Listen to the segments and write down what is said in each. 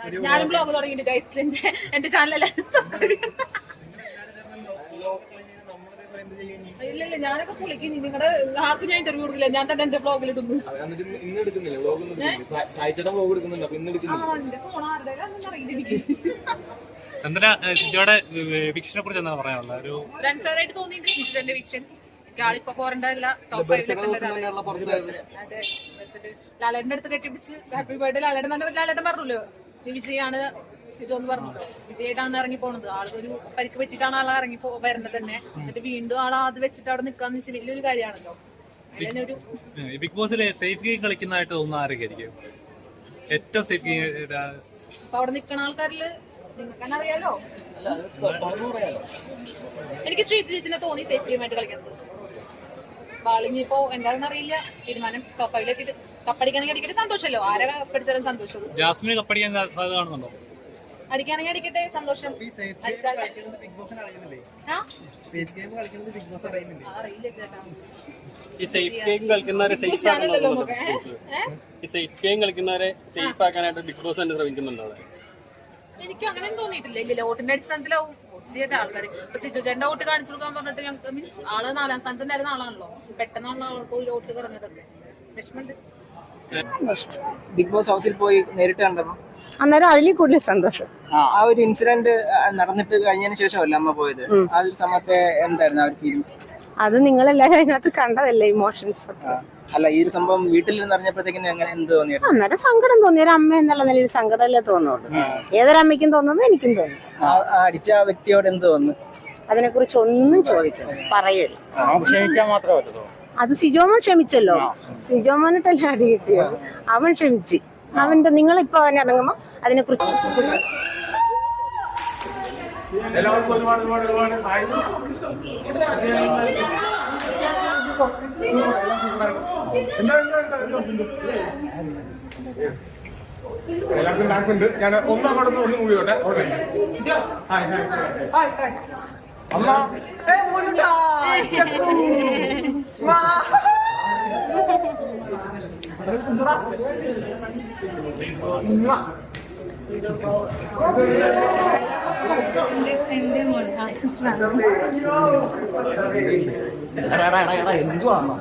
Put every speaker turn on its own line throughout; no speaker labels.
ഞാനും ബ്ലോഗ് തുടങ്ങിയിട്ട് ഗൈസ് എന്റെ ചാനൽ സബ്സ്ക്രൈബ് ഇല്ല ഞാനൊക്കെ പൊളിക്കും. നിങ്ങളുടെ ആർക്കും ഞാൻ ഇന്റർവ്യൂ കൊടുക്കില്ല, ഞാൻ തന്നെ എന്റെ ബ്ലോഗിൽ ഇടുന്നു. ഫോൺ ആരുടെ അതൊന്നും അറിയില്ല എനിക്ക്. റൺഫെയറായിട്ട് തോന്നിയിട്ട് സിജുന്റെ വിക്ഷൻ ആളിപ്പോ പോരണ്ടല്ല ടോപ്പ് 5 അതെ. ലാലേട്ടന്റെ അടുത്ത് കെട്ടിപ്പിടിച്ച് ഹാപ്പി ബർത്ത്ഡേ ലാലേട്ടൻ പറഞ്ഞല്ലോ വിജയാണ് സിജോ എന്ന് പറഞ്ഞല്ലോ. വിജയായിട്ടാണ് ഇറങ്ങി പോണത്. ആളൊരു പരിക്ക് പറ്റിയിട്ടാണ് ആളെ ഇറങ്ങി വരുന്നത് തന്നെ. എന്നിട്ട് വീണ്ടും ആളെ അത് വെച്ചിട്ട് അവിടെ നിൽക്കാന്ന് വെച്ചാൽ വലിയൊരു കാര്യമാണല്ലോ. അതിനൊരു
ബിഗ് ബോസിലെ സേഫ് ഗെയിം കളിക്കുന്നതായിട്ട് തോന്നുന്ന ആരൊക്കെയായിരിക്കും ഏറ്റവും സേഫ് ഗെയിം?
അപ്പൊ അവിടെ നിൽക്കുന്ന ആൾക്കാരില് നിങ്ങൾക്ക് അറിയാലോ, എനിക്ക് ശ്രീതി ചേച്ചിനെ തോന്നി സേഫ് ഗെയിമായിട്ട് കളിക്കുന്നത്. വാളിഞ്ഞിപ്പോ എന്താണെന്ന് അറിയില്ല തീരുമാനം. ടോപ്പ് 5 കപ്പടിക്കാണെങ്കിൽ അടിക്കട്ടെ, സന്തോഷമല്ലോ. ആരെ കപ്പടിച്ചാലും സന്തോഷം.
ജാസ്മിന് കപ്പടിക്കാൻ കാണുന്നുണ്ടോ?
അടിക്കുകയാണെങ്കിൽ അടിക്കട്ടെ, സന്തോഷം.
ഈ സേഫ് ഗെയിം കളിക്കുന്നവരെ സേഫ് സേഫ് ആക്കാനായിട്ട് ബിഗ് ബോസ് തന്നെ ശ്രമിക്കുന്നുണ്ടോ?
എനിക്കും അങ്ങനെ തോന്നിയിട്ടില്ല. ഇല്ല, വോട്ടിന്റെ അടിസ്ഥാനത്തിലാവും വോട്ട് ചെയ്യേണ്ട ആൾക്കാർ. ഇപ്പൊ സിജു ചേട്ടന്റെ വോട്ട് കാണിച്ചു കൊടുക്കാൻ പറഞ്ഞിട്ട് ഞങ്ങൾക്ക് മീൻസ് ആള് 4ാം സ്ഥാനത്തുണ്ടായിരുന്ന ആളാണല്ലോ. പെട്ടെന്നുള്ള ആൾക്ക് വോട്ട് കുറഞ്ഞതൊക്കെ വിഷമമുണ്ട്.
ബിഗ് ബോസ് ഹൗസിൽ പോയി നേരിട്ട് കണ്ടപ്പോ
അന്നേരം അതിൽ കൂടുതൽ സന്തോഷം.
ആ ഒരു ഇൻസിഡന്റ് നടന്നിട്ട് കഴിഞ്ഞതിന് ശേഷമല്ല അമ്മ പോയത്. ആ ഒരു സമയത്തെ എന്തായിരുന്നു ആ ഒരു ഫീലിങ്സ്?
അത് നിങ്ങളെല്ലാരും അതിനകത്ത് കണ്ടതല്ലേ, ഇമോഷൻസ് ഒക്കെ.
അല്ല, ഈ ഒരു സംഭവം വീട്ടിൽ നിന്ന് അറിഞ്ഞപ്പോഴത്തേക്കും എങ്ങനെ എന്ത് തോന്നിയത്?
അന്നേരം സങ്കടം തോന്നി. ഒരു അമ്മ എന്നുള്ള നിലയിൽ സങ്കടമല്ലേ തോന്നുള്ളൂ. ഏതൊരമ്മയ്ക്കും തോന്നുന്നത് എനിക്കും തോന്നി.
അടിച്ച ആ വ്യക്തിയോട് എന്ത് തോന്നുന്നു?
അതിനെ കുറിച്ച് ഒന്നും ചോദിക്കണം, പറയരുത്.
ക്ഷമിക്കാൻ മാത്രമേ പറ്റുള്ളൂ.
അത് സിജോമോൻ ക്ഷമിച്ചല്ലോ. സിജോമോനിട്ടല്ലേ അടി കിട്ടിയത്. അവൻ ക്ഷമിച്ച്. അവന്റെ നിങ്ങളിപ്പോ അവൻ ഇറങ്ങുമ്പോ അതിനെ കുറിച്ച്
എല്ലാവർക്കും ഒരുപാട് എല്ലാവർക്കും ഡാൻസ് ഉണ്ട്. ഞാൻ ഒന്നും കൂടി ഓട്ടെ. അമ്മ എന്തുവാണോ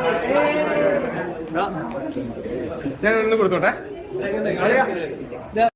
ഞാൻ ഒന്ന് കൊടുത്തോട്ടെ.